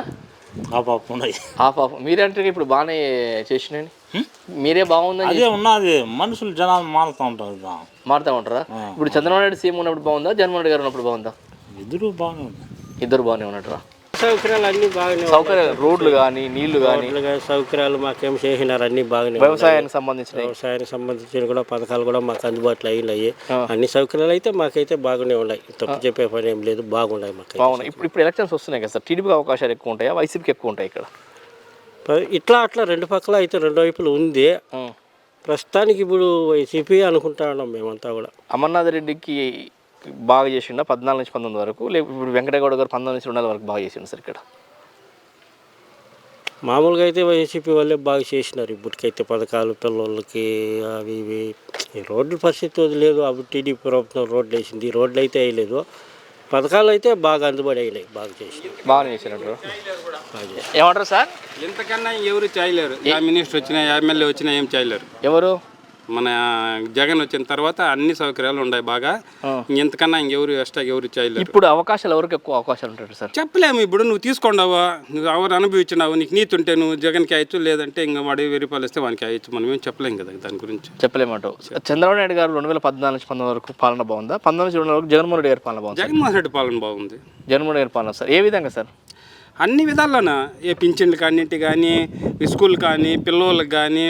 [SPEAKER 1] మీరే అంటే ఇప్పుడు బాగానే చేసినండి, మీరే బాగుందని.
[SPEAKER 10] అదే ఉన్నది, మనుషులు జనాలు మారుతూ ఉంటారు.
[SPEAKER 1] మారుతూ ఉంటారా? ఇప్పుడు చంద్రబాబు నాయుడు సీఎం ఉన్నప్పుడు బాగుందా, జగన్మోహన్ రెడ్డి గారు ఉన్నప్పుడు బాగుందా?
[SPEAKER 10] ఇద్దరు బాగానే
[SPEAKER 1] ఉన్నట్టురా.
[SPEAKER 8] సౌకర్యాలు అన్ని బాగానే,
[SPEAKER 1] సౌకర్యాలు రోడ్లు కానీ నీళ్లు కానీ
[SPEAKER 8] సౌకర్యాలు మాకేం చేసినారు, అన్ని బాగానే.
[SPEAKER 1] వ్యవసాయానికి సంబంధించిన
[SPEAKER 8] కూడా పథకాలు కూడా మాకు అందుబాటులో అయినాయి. అన్ని సౌకర్యాలు అయితే మాకైతే బాగానే ఉన్నాయి, తప్పు చెప్పే పని ఏం లేదు, బాగున్నాయి మాకు.
[SPEAKER 1] బాగున్నాయి. ఇప్పుడు ఎలక్షన్స్ వస్తున్నాయి కదా సార్, టీడీపీకి అవకాశాలు ఎక్కువ ఉంటాయా వైసీపీకి ఎక్కువ ఉంటాయి ఇక్కడ?
[SPEAKER 8] ఇట్లా అట్లా రెండు పక్కల అయితే రెండు వైపులు ఉంది. ప్రస్తుతానికి ఇప్పుడు వైసీపీ అనుకుంటా ఉన్నాం మేమంతా కూడా.
[SPEAKER 1] అమర్నాథ్ రెడ్డికి బాగా చేసిండా 14 నుంచి 19 వరకు, లేకపోతే ఇప్పుడు వెంకటగౌడ గారు 19 నుంచి 24 వరకు బాగా చేసిండు సార్ ఇక్కడ?
[SPEAKER 8] మామూలుగా అయితే వైసీపీ వాళ్ళే బాగా చేసినారు. ఇప్పటికైతే పథకాలు పిల్లలకి అవి ఇవి. రోడ్ల పరిస్థితి వదిలేదు, అప్పుడు టీడీపీ ప్రభుత్వం రోడ్లు వేసింది, రోడ్లు అయితే వేయలేదు, పథకాలు అయితే బాగా అందుబాటు అయినాయి, బాగా చేసినారు,
[SPEAKER 1] బాగా చేసినట్టు. ఏమంటారు సార్?
[SPEAKER 11] ఎంతకన్నా ఎవరు చేయలేరు. ఏ మినిస్టర్ వచ్చినా ఎమ్మెల్యే వచ్చినా ఏం చేయలేరు.
[SPEAKER 1] ఎవరు?
[SPEAKER 11] మన జగన్ వచ్చిన తర్వాత అన్ని సౌకర్యాలు ఉన్నాయి బాగా. ఇంతకన్నా ఇంకెవరు ఎక్స్ట్రా ఎవరు చేయలేరు.
[SPEAKER 1] ఇప్పుడు అవకాశాలు ఎవరికి ఎక్కువ అవకాశాలు ఉంటాయి సార్?
[SPEAKER 11] చెప్పలేము. ఇప్పుడు నువ్వు తీసుకున్నావా, నువ్వు ఎవరు అనుభవించినావు, నీకు నీతి ఉంటే నువ్వు జగన్కి అయ్యచ్చు, లేదంటే ఇంకా వాడు 1000 రూపాయలు ఇస్తే వానికి అయ్యచ్చు. మనం ఏం చెప్పలేం కదా దాని గురించి.
[SPEAKER 1] చెప్పలేమంటావు. చంద్రబాబు నాయుడు గారు 2014 నుంచి 19 వరకు పాలన బాగుందా? 19 నుంచి 20 వరకు జగన్మోహన్ రెడ్డి గారి పాలన బాగుంది?
[SPEAKER 11] జగన్మోహన్ రెడ్డి పాలన బాగుంది.
[SPEAKER 1] జగన్మోహన్ రెడ్డి గారి పాలన సార్ ఏ విధంగా సార్?
[SPEAKER 11] అన్ని విధాల్లోనా, ఏ పింఛన్లు కానింటి కానీ, స్కూల్ కానీ, పిల్లలకు కానీ,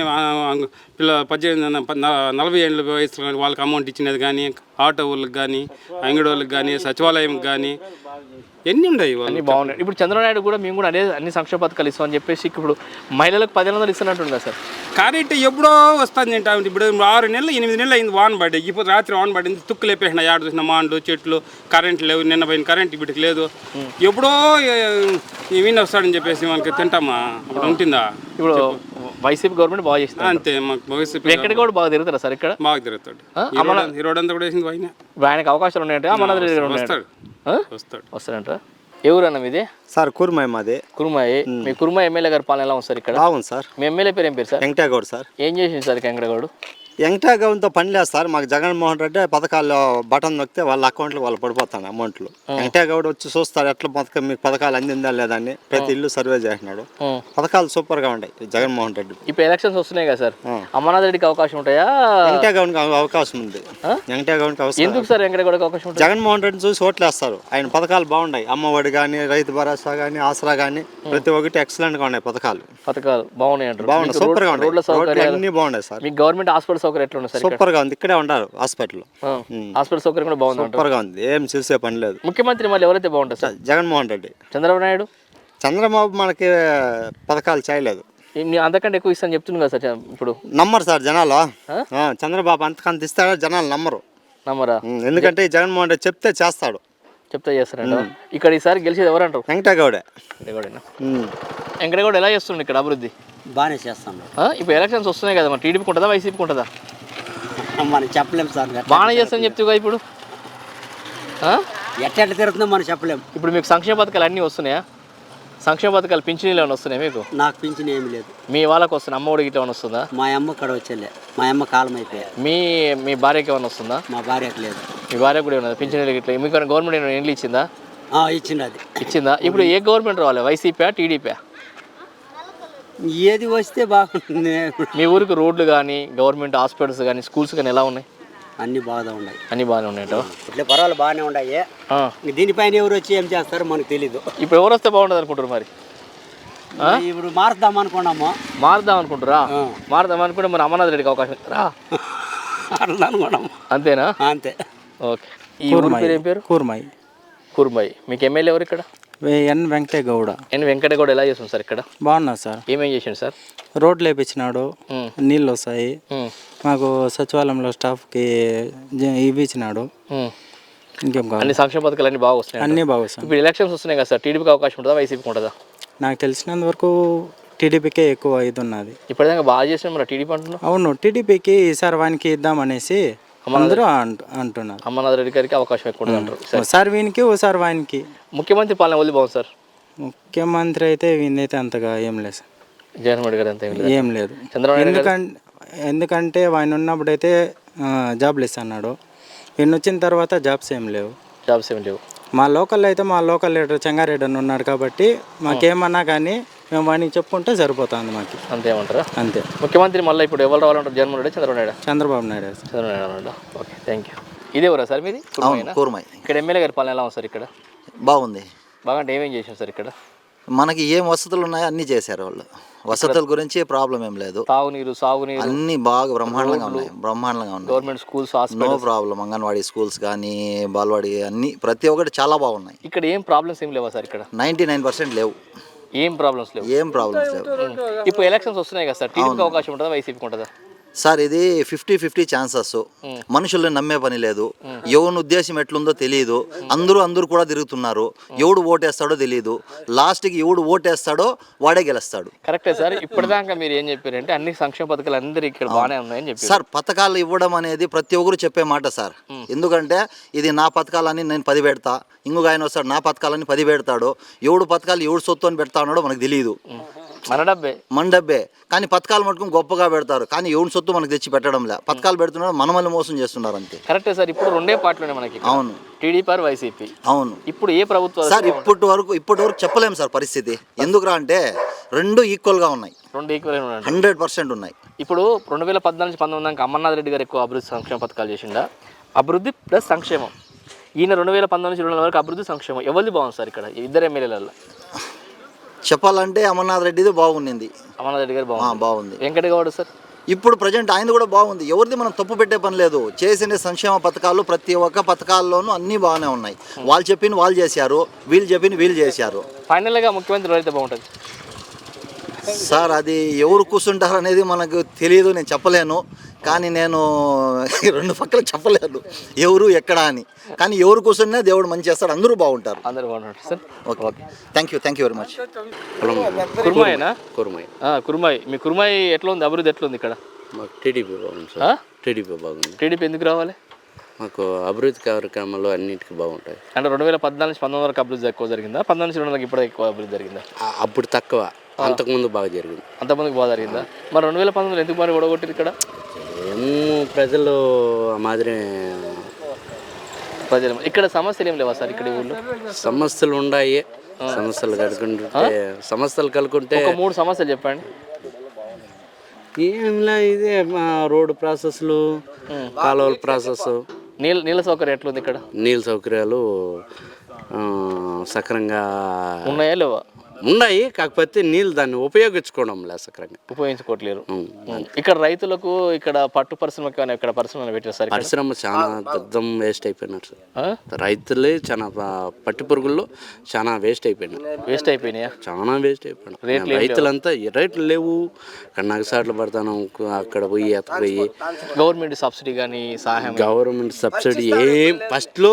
[SPEAKER 11] 40 ఏళ్ళ వయసు వాళ్ళకి అమౌంట్ ఇచ్చినది కానీ, ఆటో వాళ్ళకి కానీ, అంగడి వాళ్ళకి కానీ, సచివాలయంకి కానీ ఎన్ని ఉన్నాయి.
[SPEAKER 1] అన్ని బాగున్నాయి. ఇప్పుడు చంద్రబాబు నాయుడు కూడా మేము కూడా అన్ని సంక్షేమ పథకాలు ఇస్తామని చెప్పేసి ఇప్పుడు మహిళలకు 10,000 ఇస్తున్నట్టుంది కదా సార్?
[SPEAKER 11] కరెంట్ ఎప్పుడో వస్తుంది అంటే ఇప్పుడు 6 నెలలు 8 నెలలు అయింది వాన పడ్డాయి. ఇప్పుడు రాత్రి వాన పడింది, తుక్కు లేపేసిన ఆడ చూసిన మాండు చెట్లు, కరెంట్ లేవు. నిన్న పోయిన కరెంట్ ఇప్పటికి లేదు. ఎప్పుడో ఈయన వస్తాడని చెప్పేసి మనకి తింటామా? ఇప్పుడు ఉంటుందా?
[SPEAKER 1] ఇప్పుడు వైసీపీ గవర్నమెంట్ బాగా చేస్తుంది
[SPEAKER 11] అంతే. మాకు వైసీపీ
[SPEAKER 1] ఎక్కడ కూడా బాగా తిరుగుతారా సార్? ఇక్కడ
[SPEAKER 11] బాగా తిరుగుతాడు. ఈ రోడ్ అంతా కూడా వేసింది ఆయన.
[SPEAKER 1] ఆయనకు అవకాశాలు ఉన్నాయంటే అమర్నాథ్ రెడ్డి గారు వస్తాడంట. ఎవరన్నా మీది?
[SPEAKER 12] సార్ కుర్మాయి మాది.
[SPEAKER 1] కుర్మాయి. మీ కుర్మాయి ఎమ్మెల్యే గారి పాలన ఎలా ఉంది సార్ ఇక్కడ?
[SPEAKER 12] బాగుంది సార్.
[SPEAKER 1] మీ ఎమ్మెల్యే పేరు ఏం పేరు సార్?
[SPEAKER 12] వెంకటగౌడ్ సార్.
[SPEAKER 1] ఏం చేసింది సార్ వెంకటగౌడ్?
[SPEAKER 12] వెంకటగౌడ్తో పని లేదు సార్. మాకు జగన్మోహన్ రెడ్డి పథకాల్లో బటన్ నొక్కితే వాళ్ళ అకౌంట్లో వాళ్ళు పడిపోతాను అమౌంట్లు. వెంకటగౌడ్ వచ్చి చూస్తారు ఎట్లా పథకం మీకు పథకాలు అందిందా లేదా అని. ప్రతి ఇల్లు సర్వే చేసినాడు. పథకాలు సూపర్గా ఉన్నాయి జగన్మోహన్ రెడ్డి.
[SPEAKER 1] ఇప్పుడు ఎలక్షన్స్ వస్తున్నాయి కదా సార్, అమర్నాథ్ రెడ్డికి అవకాశం ఉంటాయా?
[SPEAKER 12] వెంకటగౌడ్కి అవకాశం ఉంది. వెంకటగౌడ్కి అవకాశం.
[SPEAKER 1] ఎందుకు సార్ వెంకటగౌడ్కి అవకాశం ఉంటుంది?
[SPEAKER 12] జగన్మోహన్ రెడ్డిని చూసి ఓట్లేస్తారు. ఆయన పథకాలు బాగున్నాయి. అమ్మఒడి కానీ, రైతు భరోసా కానీ, ఆసరా కానీ ప్రతి ఒక్కటి ఎక్సలెంట్గా ఉన్నాయి. పథకాలు
[SPEAKER 1] బాగున్నాయి అంటారు.
[SPEAKER 12] బాగున్నాయి, సూపర్గా ఉన్నాయి. రోడ్లు అన్ని బాగున్నాయి సార్.
[SPEAKER 1] మీ గవర్నమెంట్ హాస్పిటల్ సౌకర్యం ఎట్లా ఉన్నాయి సార్?
[SPEAKER 12] సూపర్గా ఉంది. ఇక్కడే ఉన్నారు హాస్పిటల్.
[SPEAKER 1] హాస్పిటల్ సౌకర్యం కూడా బాగుంది.
[SPEAKER 12] సూపర్గా ఉంది. ఏం చూసే పని లేదు.
[SPEAKER 1] ముఖ్యమంత్రి మళ్ళీ ఎవరైతే బాగుంటుంది సార్?
[SPEAKER 12] జగన్మోహన్ రెడ్డి.
[SPEAKER 1] చంద్రబాబు నాయుడు?
[SPEAKER 12] చంద్రబాబు మనకి పథకాలు చేయలేదు.
[SPEAKER 1] అంతకంటే ఎక్కువ ఇస్తాను చెప్తుంది కదా సార్. ఇప్పుడు
[SPEAKER 12] నమ్మరు సార్ జనాలు. చంద్రబాబు అంతకంత ఇస్తాడో జనాలు నమ్మరా? ఎందుకంటే జగన్మోహన్ రెడ్డి చెప్తే చేస్తాడు.
[SPEAKER 1] చెప్తే చేస్తారంట. ఇక్కడ ఈసారి గెలిచేది ఎవరంటారు?
[SPEAKER 12] వెంకటగౌడే.
[SPEAKER 1] వెంకటగౌడ ఎలా చేస్తుండే ఇక్కడ అభివృద్ధి?
[SPEAKER 13] బాగానే చేస్తాను.
[SPEAKER 1] ఇప్పుడు ఎలక్షన్స్ వస్తున్నాయి కదా, మరి టీడీపీకి ఉంటుందా వైసీపీకి ఉంటుందా?
[SPEAKER 13] మనం చెప్పలేము సార్.
[SPEAKER 1] బాగానే చేస్తాను చెప్తావు ఇప్పుడు.
[SPEAKER 13] ఎట్లా తిరుగుతుందో మనం చెప్పలేము.
[SPEAKER 1] ఇప్పుడు మీకు సంక్షేమ పథకాలు అన్నీ వస్తున్నాయా? సంక్షేమ పథకాలు పింఛనీలు ఏమైనా వస్తున్నాయి మీకు?
[SPEAKER 13] నాకు పింఛన్ ఏమి లేదు.
[SPEAKER 1] మీ వాళ్ళకి వస్తుంది? అమ్మ ఒడికి ఏమైనా వస్తుందా?
[SPEAKER 13] మా అమ్మ ఇక్కడ వచ్చేలే. మా అమ్మ కాలం అయిపోయా.
[SPEAKER 1] మీ భార్యకి ఏమైనా వస్తుందా?
[SPEAKER 13] మా భార్యకి లేదు.
[SPEAKER 1] మీ భార్య కూడా ఏమన్నా పింఛనీలు ఇట్లా మీకు గవర్నమెంట్ ఏమైనా ఇండ్లు ఇచ్చిందా?
[SPEAKER 13] ఇచ్చింది. అది
[SPEAKER 1] ఇచ్చిందా? ఇప్పుడు ఏ గవర్నమెంట్ రావాలి, వైసీపీ టీడీపీ?
[SPEAKER 13] ఏది వస్తే బాగుంటుంది.
[SPEAKER 1] మీ ఊరికి రోడ్లు కానీ, గవర్నమెంట్ హాస్పిటల్స్ కానీ, స్కూల్స్ కానీ ఎలా ఉన్నాయి?
[SPEAKER 13] అన్ని బాగా ఉన్నాయి.
[SPEAKER 1] అన్ని బాగానే ఉన్నాయట.
[SPEAKER 13] ఇట్లా పర్వాలేదు, బాగానే ఉన్నాయి. దీనిపైన ఎవరు వచ్చి ఏం చేస్తారో మనకు తెలీదు.
[SPEAKER 1] ఇప్పుడు ఎవరు వస్తే బాగుంటుంది అనుకుంటారు మరి?
[SPEAKER 13] ఇప్పుడు మారుద్దాం అనుకున్నాము.
[SPEAKER 1] మారుద్దాం అనుకుంటారా? మారుదాం అనుకుంటే మరి అమర్నాథ్ రెడ్డికి అవకాశం రా
[SPEAKER 13] అనుకున్నాము.
[SPEAKER 1] అంతేనా?
[SPEAKER 13] అంతే.
[SPEAKER 1] ఓకే. ఈ ఊరి పేరు ఏం పేరు?
[SPEAKER 2] కుర్మాయి.
[SPEAKER 1] కుర్మాయి. మీకు ఎమ్మెల్యే ఎవరు ఇక్కడ?
[SPEAKER 2] ఎన్ వెంకటగౌడ.
[SPEAKER 1] వెంకటగౌడ ఎలా చేస్తుంది సార్ ఇక్కడ?
[SPEAKER 2] బాగున్నారు సార్.
[SPEAKER 1] ఏమేం చేసిండు సార్?
[SPEAKER 2] రోడ్లు వేపించినాడు, నీళ్ళు వస్తాయి. మాకు సచివాలయంలో స్టాఫ్కి ఇవి ఇచ్చినాడు. ఇంకేం కావాలి?
[SPEAKER 1] అన్ని సంక్షేమ పథకాలు అన్ని బాగా వస్తున్నాయి.
[SPEAKER 2] అన్నీ బాగా వస్తాయి.
[SPEAKER 1] ఇప్పుడు ఎలక్షన్స్ వస్తున్నాయి కదా సార్, టీడీపీకి అవకాశం ఉంటుందా వైసీపీకి ఉంటుందా?
[SPEAKER 2] నాకు తెలిసినంత వరకు టీడీపీకే ఎక్కువ ఇది ఉన్నది.
[SPEAKER 1] ఇప్పటిదాకా బాగా చేసిన మరి టీడీపీ అంటున్నాను.
[SPEAKER 2] అవును, టీడీపీకి ఈసారి వానికి ఇద్దామనేసి అందరూ అంటున్నారు.
[SPEAKER 1] అమర్నాథ్ రెడ్డి గారికి అవకాశం ఎక్కువ ఉంటుంది అంటారు.
[SPEAKER 2] ఒకసారి వీనికి ఒకసారి వానికి.
[SPEAKER 1] ముఖ్యమంత్రి పాలన వదిలి బాగుంది సార్.
[SPEAKER 2] ముఖ్యమంత్రి అయితే వీనైతే అంతగా ఏం లేదు సార్.
[SPEAKER 1] జగన్మోహన్ రెడ్డి గారు అంత
[SPEAKER 2] ఏం లేదు. ఎందుకంటే ఆయన ఉన్నప్పుడైతే జాబ్లు ఇస్తున్నాడు. ఈయన వచ్చిన తర్వాత జాబ్స్ ఏం లేవు. మా లోకల్ అయితే మా లోకల్ లీడర్ చెంగారెడ్డి అని ఉన్నాడు కాబట్టి మాకేమన్నా కానీ మేము వానికి చెప్పుకుంటే సరిపోతుంది మాకు.
[SPEAKER 1] అంతేమంటారా?
[SPEAKER 2] అంతే.
[SPEAKER 1] ముఖ్యమంత్రి మళ్ళీ ఇప్పుడు ఎవరు రావాలంటారు? Jaganmohan Reddy, Chandrababu Naidu?
[SPEAKER 2] Chandrababu Naidu.
[SPEAKER 1] Chandrababu Naidu. Okay, thank you. ఇదే ఊరా సార్ మీది?
[SPEAKER 14] కూర్మాయి.
[SPEAKER 1] ఇక్కడ ఎమ్మెల్యే గారి పాలన ఎలా ఉంది సార్? ఇక్కడ
[SPEAKER 14] బాగుంది.
[SPEAKER 1] బాగా అంటే ఏమేం చేసాం సార్? ఇక్కడ
[SPEAKER 14] మనకి ఏం వసతులు ఉన్నాయో అన్నీ చేశారు వాళ్ళు. వసతుల గురించి ప్రాబ్లం ఏం లేదు.
[SPEAKER 1] తాగునీరు, సాగునీరు
[SPEAKER 14] అన్నీ బాగా బ్రహ్మాండంగా ఉన్నాయి.
[SPEAKER 1] Government schools,
[SPEAKER 14] no problem. Anganwadi schools కానీ, బాల్వాడి అన్నీ ప్రతి ఒక్కటి చాలా బాగున్నాయి.
[SPEAKER 1] ఇక్కడ ఏం ప్రాబ్లమ్స్ ఏం లేవా సార్? ఇక్కడ
[SPEAKER 14] 99% లేవు.
[SPEAKER 1] ఏం ప్రాబ్లమ్స్ లేవు. ఇప్పుడు ఎలక్షన్స్ వస్తున్నాయి కదా సార్, టీడీపీకి అవకాశం ఉంటుందా వైసీపీకి ఉంటుందా?
[SPEAKER 14] సార్ ఇది 50-50 ఛాన్సెస్. మనుషుల్ని నమ్మే పని లేదు. ఎవరి ఉద్దేశం ఎట్లుందో తెలియదు. అందరూ కూడా తిరుగుతున్నారు. ఎవడు ఓటేస్తాడో తెలియదు. లాస్ట్కి ఎవడు ఓటేస్తాడో వాడే గెలుస్తాడు.
[SPEAKER 1] కరెక్టే సార్. ఇప్పటిదాకా మీరు ఏం చెప్పారంటే అన్ని సంక్షేమ పథకాలు అందరూ ఇక్కడ బాగానే ఉన్నాయని చెప్పారు
[SPEAKER 14] సార్. పథకాలు ఇవ్వడం అనేది ప్రతి ఒక్కరు చెప్పే మాట సార్. ఎందుకంటే ఇది నా పథకాలని నేను 10 పెడతా, ఇంకొక ఆయన వస్తాడు నా పథకాలని 10 పెడతాడు. ఎవడు పథకాలు ఎవడు సొత్తు అని పెడతా ఉన్నాడో మనకు తెలియదు.
[SPEAKER 1] మన డబ్బే
[SPEAKER 14] మన డబ్బే. కానీ పథకాలు మటుకు గొప్పగా పెడతారు, కానీ ఎవరి సొత్తు మనకు తెచ్చి పెట్టడం లే. పథకాలు పెడుతున్నారు, మనమల్ని మోసం చేస్తున్నారు అంతే.
[SPEAKER 1] కరెక్టే సార్. ఇప్పుడు రెండే పార్టీలు మనకి.
[SPEAKER 14] అవును,
[SPEAKER 1] టీడీపీ ఆర్ వైసీపీ.
[SPEAKER 14] అవును.
[SPEAKER 1] ఇప్పుడు ఏ ప్రభుత్వం
[SPEAKER 14] సార్ ఇప్పటి వరకు చెప్పలేము సార్ పరిస్థితి. ఎందుకురా అంటే రెండు ఈక్వల్గా ఉన్నాయి,
[SPEAKER 1] రెండు ఈక్వల్
[SPEAKER 14] 100% ఉన్నాయి.
[SPEAKER 1] ఇప్పుడు 2014-19 దాకా అమర్నాథ్ రెడ్డి గారు ఎక్కువ అభివృద్ధి సంక్షేమ పథకాలు చేసిండా? అభివృద్ధి ప్లస్ సంక్షేమం. ఈయన 2019-20 వరకు అభివృద్ధి సంక్షేమం. ఎవరిది బాగుంది సార్ ఇక్కడ ఇద్దరు ఎమ్మెల్యేలలో?
[SPEAKER 14] చెప్పాలంటే అమర్నాథ్ రెడ్డిది బాగుంది.
[SPEAKER 1] అమర్నాథ్ రెడ్డి గారు
[SPEAKER 14] బాగుంది.
[SPEAKER 1] వెంకటగౌడ సార్
[SPEAKER 14] ఇప్పుడు ప్రజెంట్ ఆయన కూడా బాగుంది. ఎవరిది మనం తప్పు పెట్టే పని లేదు. చేసిన సంక్షేమ పథకాలు ప్రతి ఒక్క పథకాల్లోనూ అన్నీ బాగానే ఉన్నాయి. వాళ్ళు చెప్పింది వాళ్ళు చేశారు, వీళ్ళు చెప్పింది వీళ్ళు చేశారు.
[SPEAKER 1] ఫైనల్గా ముఖ్యమంత్రి ఎవరైతే బాగుంటుంది
[SPEAKER 14] సార్? అది ఎవరు కూర్చుంటారు అనేది మనకు తెలియదు, నేను చెప్పలేను. కానీ నేను రెండు పక్కల చెప్పలేను ఎవరు ఎక్కడ అని. కానీ ఎవరు కూర్చున్నా దేవుడు మంచి చేస్తాడు, అందరూ బాగుంటారు.
[SPEAKER 1] అందరూ బాగుంటారు sir.
[SPEAKER 14] Okay, thank you very much.
[SPEAKER 1] కుర్మాయేనా? కుర్మాయి. మీ కుర్మాయి ఎట్లా ఉంది? అభివృద్ధి ఎట్లా ఉంది ఇక్కడ?
[SPEAKER 15] మాకు టీడీపీ బాగుంది సార్. టీడీపీ బాగుంది.
[SPEAKER 1] టీడీపీ ఎందుకు రావాలి?
[SPEAKER 15] మాకు అభివృద్ధి కార్యక్రమాలు అన్నిటికీ బాగుంటాయి.
[SPEAKER 1] అంటే 2014-19 వరకు అభివృద్ధి ఎక్కువ జరిగిందా? 19-20 ఇప్పుడు ఎక్కువ అభివృద్ధి జరిగిందా?
[SPEAKER 15] అప్పుడు తక్కువ, అంతకుముందు బాగా జరిగింది.
[SPEAKER 1] అంతకుముందుకు బాగా జరిగిందా? మరి 2019 ఎందుకు మరి ఓడగొట్టిరు ఇక్కడ?
[SPEAKER 15] ఏమో ప్రజలు మాదిరి
[SPEAKER 1] ప్రజలు ఇక్కడ సమస్యలు ఏం లేవా సార్? ఇక్కడ ఊళ్ళో
[SPEAKER 15] సమస్యలు ఉన్నాయి. సమస్యలు కలుగుంటే
[SPEAKER 1] ఒక 3 సమస్యలు చెప్పండి.
[SPEAKER 15] ఏంలా ఇదే రోడ్డు ప్రాసెస్లు, కాలువల ప్రాసెస్.
[SPEAKER 1] నీళ్ళ సౌకర్యం ఎట్లుంది ఇక్కడ?
[SPEAKER 15] నీళ్ళ సౌకర్యాలు సక్రంగా
[SPEAKER 1] ఉన్నాయా లేవా?
[SPEAKER 15] ఉన్నాయి, కాకపోతే నీళ్ళు దాన్ని ఉపయోగించుకోవడం లేదు, సక్రంగా
[SPEAKER 1] ఉపయోగించుకోవట్లేరు. ఇక్కడ రైతులకు ఇక్కడ పట్టు పరిశ్రమకి ఇక్కడ పరిశ్రమలు పెట్టారు సార్.
[SPEAKER 15] పరిశ్రమ చాలా దద్దం వేస్ట్ అయిపోయినారు సార్. రైతులే చాలా పట్టు పురుగుల్లో చాలా వేస్ట్ అయిపోయినాయా? చాలా వేస్ట్ అయిపోయినాయి. రైతులంతా రేట్లు లేవు, నగసాట్లు పడతాను అక్కడ పోయి ఎత్తపోయి.
[SPEAKER 1] గవర్నమెంట్ సబ్సిడీ కానీ సహాయం?
[SPEAKER 15] గవర్నమెంట్ సబ్సిడీ ఏం ఫస్ట్లో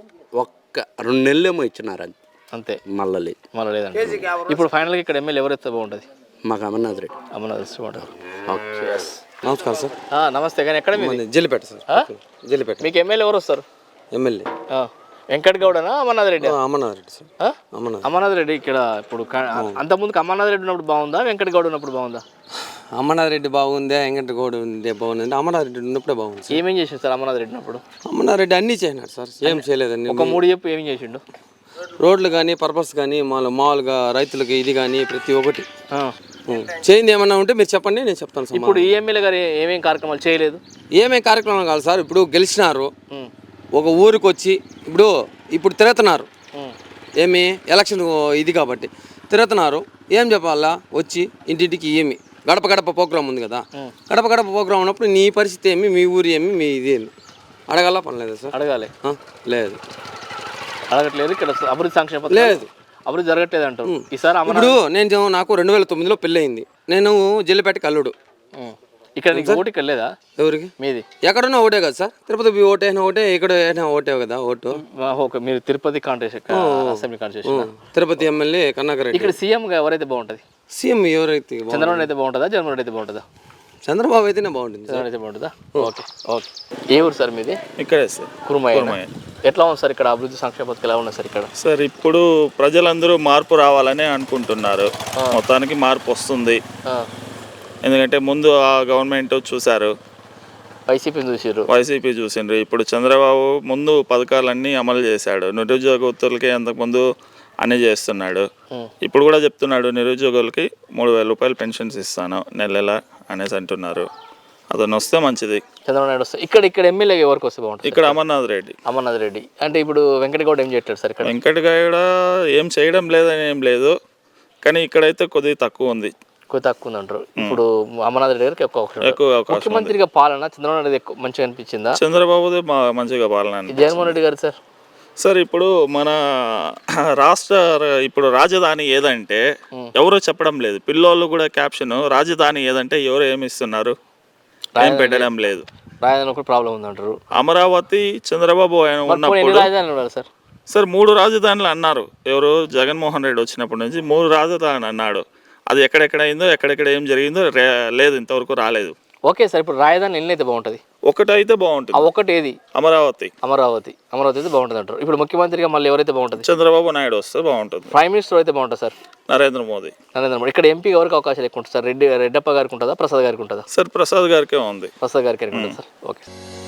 [SPEAKER 15] 2 నెలలేమో ఇచ్చినారు
[SPEAKER 1] అంతే,
[SPEAKER 15] మళ్ళీ
[SPEAKER 1] లేదండి. ఇప్పుడు ఫైనల్గా ఇక్కడ ఎమ్మెల్యే ఎవరైతే బాగుంటుంది?
[SPEAKER 15] మాకు అమర్నాథ్ రెడ్డి.
[SPEAKER 1] బాగుంటుంది. ఓకే,
[SPEAKER 9] నమస్కారం సార్.
[SPEAKER 1] నమస్తే. కానీ ఎక్కడ మీరు?
[SPEAKER 9] జల్లిపేట సార్. జల్లిపేట.
[SPEAKER 1] మీకు ఎమ్మెల్యే ఎవరు వస్తారు?
[SPEAKER 9] ఎమ్మెల్యే
[SPEAKER 1] వెంకటగౌడనా అమర్నాథ్ రెడ్డి?
[SPEAKER 9] అమర్నాథ్ రెడ్డి సార్.
[SPEAKER 1] అమర్నాథ్ రెడ్డి ఇక్కడ ఇప్పుడు అంతకుముందుకు అమర్నాథ్ రెడ్డి ఉన్నప్పుడు బాగుందా, వెంకటగౌడ ఉన్నప్పుడు బాగుందా?
[SPEAKER 9] అమర్నాథ్ రెడ్డి బాగుందా, వెంకటగౌడ బాగుంది? అమర్నాథ్ రెడ్డి ఉన్నప్పుడే బాగుంది.
[SPEAKER 1] ఏమేం చేసిండు సార్ అమర్నాథ్ రెడ్డి ఉన్నప్పుడు?
[SPEAKER 9] అమర్నాథ్ రెడ్డి అన్నీ చేసినాడు సార్. ఏం చేయలేదండి.
[SPEAKER 1] ఒక 3 చెప్పు ఏమేం చేసిండు?
[SPEAKER 9] రోడ్లు కానీ, పర్పస్ కానీ, మామూలుగా రైతులకి ఇది కానీ ప్రతి ఒక్కటి చేయింది. ఏమన్నా ఉంటే మీరు చెప్పండి, నేను చెప్తాను.
[SPEAKER 1] ఇప్పుడు ఈ ఎమ్మెల్యే గారు ఏమేం కార్యక్రమాలు చేయలేదు?
[SPEAKER 9] ఏమేం కార్యక్రమాలు కాదు సార్. ఇప్పుడు గెలిచినారు, ఒక ఊరికి వచ్చి ఇప్పుడు తిరుగుతున్నారు. ఏమి ఎలక్షన్ ఇది కాబట్టి తిరుగుతున్నారు. ఏం చెప్పాలా? వచ్చి ఇంటింటికి ఏమి గడప గడప ప్రోగ్రామ్ ఉంది కదా, గడప గడప ప్రోగ్రామ్ ఉన్నప్పుడు నీ పరిస్థితి ఏమి, మీ ఊరి ఏమి, మీ ఇది ఏమి అడగాల పని లేదా సార్?
[SPEAKER 1] అడగాలి.
[SPEAKER 9] లేదు,
[SPEAKER 1] అడగట్లేదు. ఇక్కడ అభివృద్ధి సంక్షేమ లేదు, అభివృద్ధి జరగట్లేదు అంటారు. ఈసారి
[SPEAKER 9] ఇప్పుడు నాకు 2009లో పెళ్ళి అయింది. నేను జల్లిపేటకి అల్లుడు.
[SPEAKER 1] ఇక్కడ నీకు ఓటు ఇక్కడ లేదా?
[SPEAKER 9] ఎవరికి?
[SPEAKER 1] మీది
[SPEAKER 9] ఎక్కడున్నా ఓటే కదా సార్. తిరుపతి ఓటు అయినా ఓటే, ఇక్కడ అయినా ఓటే కదా ఓటు.
[SPEAKER 1] ఓకే, మీరు Tirupati contest assembly contest.
[SPEAKER 9] Tirupati MLA Karunakar Reddy.
[SPEAKER 1] ఇక్కడ సీఎంగా ఎవరైతే బాగుంటుంది?
[SPEAKER 9] సీఎం ఎవరైతే?
[SPEAKER 1] చంద్రబాబు అయితే బాగుంటుందా, జగన్మోహన్ రెడ్డి అయితే బాగుంటుందా?
[SPEAKER 9] చంద్రబాబు అయితేనే బాగుంటుంది.
[SPEAKER 1] చంద్రబాబు అయితే బాగుంటుందా? ఓకే. ఏ ఊరు సార్ మీది?
[SPEAKER 16] ఇక్కడే సార్,
[SPEAKER 1] కుర్మాయి. ఎట్లా ఉంది సార్ ఇక్కడ అభివృద్ధి సంక్షేమ పథకాలు ఎలా ఉన్నాయి సార్ ఇక్కడ?
[SPEAKER 16] సార్ ఇప్పుడు ప్రజలందరూ మార్పు రావాలని అనుకుంటున్నారు. మొత్తానికి మార్పు వస్తుంది. ఎందుకంటే ముందు ఆ గవర్నమెంట్ చూశారు, వైసీపీ చూసిండ్రు. ఇప్పుడు చంద్రబాబు ముందు పథకాలన్నీ అమలు చేశాడు. నిరుద్యోగస్తులకి అంతకుముందు అన్నీ చేస్తున్నాడు. ఇప్పుడు కూడా చెప్తున్నాడు నిరుద్యోగులకి 3,000 రూపాయలు పెన్షన్స్ ఇస్తాను నెల అనేసి అంటున్నారు. అతను వస్తే మంచిది.
[SPEAKER 1] చంద్రబాబు నాయుడు వస్తే ఇక్కడ ఎమ్మెల్యే ఎవరికి వస్తే బాగుంటుంది?
[SPEAKER 16] ఇక్కడ అమర్నాథ్ రెడ్డి. అంటే ఇప్పుడు వెంకటగౌడ ఏం చేస్తాడు సార్ ఇక్కడ? వెంకటగౌడ ఏం చేయడం లేదని ఏం లేదు, కానీ ఇక్కడైతే కొద్దిగా తక్కువ ఉంది.
[SPEAKER 1] అంటారు. ఇప్పుడు అమర్నాథ్ రెడ్డి గారికి ఎక్కువ ముఖ్యమంత్రిగా పాలన చంద్రబాబు నాయుడు ఎక్కువ మంచిగా అనిపించిందా?
[SPEAKER 16] చంద్రబాబుదే మంచిగా పాలన.
[SPEAKER 1] జగన్మోహన్ రెడ్డి గారు
[SPEAKER 16] సార్ ఇప్పుడు మన రాష్ట్ర ఇప్పుడు రాజధాని ఏదంటే ఎవరో చెప్పడం లేదు. పిల్లోళ్ళు కూడా క్యాప్షన్ రాజధాని ఏదంటే ఎవరు ఏమి ఇస్తున్నారు, ఏం పెట్టడం లేదు.
[SPEAKER 1] రాజధాని ప్రాబ్లం ఉందంటారు.
[SPEAKER 16] అమరావతి చంద్రబాబు ఉన్నప్పుడు సార్ 3 రాజధానులు అన్నారు. ఎవరు? జగన్మోహన్ రెడ్డి వచ్చినప్పటి నుంచి 3 రాజధానులు అన్నాడు. అది ఎక్కడెక్కడ అయిందో, ఎక్కడెక్కడ ఏం జరిగిందో లేదు, ఇంతవరకు రాలేదు.
[SPEAKER 1] ఓకే సార్, ఇప్పుడు రాజధాని ఎన్ని అయితే బాగుంటుంది?
[SPEAKER 16] ఒకటైతే బాగుంటుంది.
[SPEAKER 1] ఆ ఒకటి ఏది?
[SPEAKER 16] అమరావతి.
[SPEAKER 1] అమరావతి అయితే బాగుంటుంది అంటారు. ఇప్పుడు ముఖ్యమంత్రిగా మళ్ళీ ఎవరైతే బాగుంటుంది?
[SPEAKER 16] చంద్రబాబు నాయుడు వస్తే బాగుంటుంది.
[SPEAKER 1] ప్రైమ్ మినిస్టర్ అయితే బాగుంటుంది సార్?
[SPEAKER 16] నరేంద్ర మోదీ.
[SPEAKER 1] ఇక్కడ ఎంపీ ఎవరికి అవకాశాలు ఎక్కువ ఉంటుంది సార్? రెడ్డప్ప గారికి ఉంటుందా, ప్రసాద్ గారికి ఉంటుందా?
[SPEAKER 16] సార్ ప్రసాద్ గారికే ఉంది.
[SPEAKER 1] ప్రసాద్ గారికి ఉంటుంది సార్. ఓకే.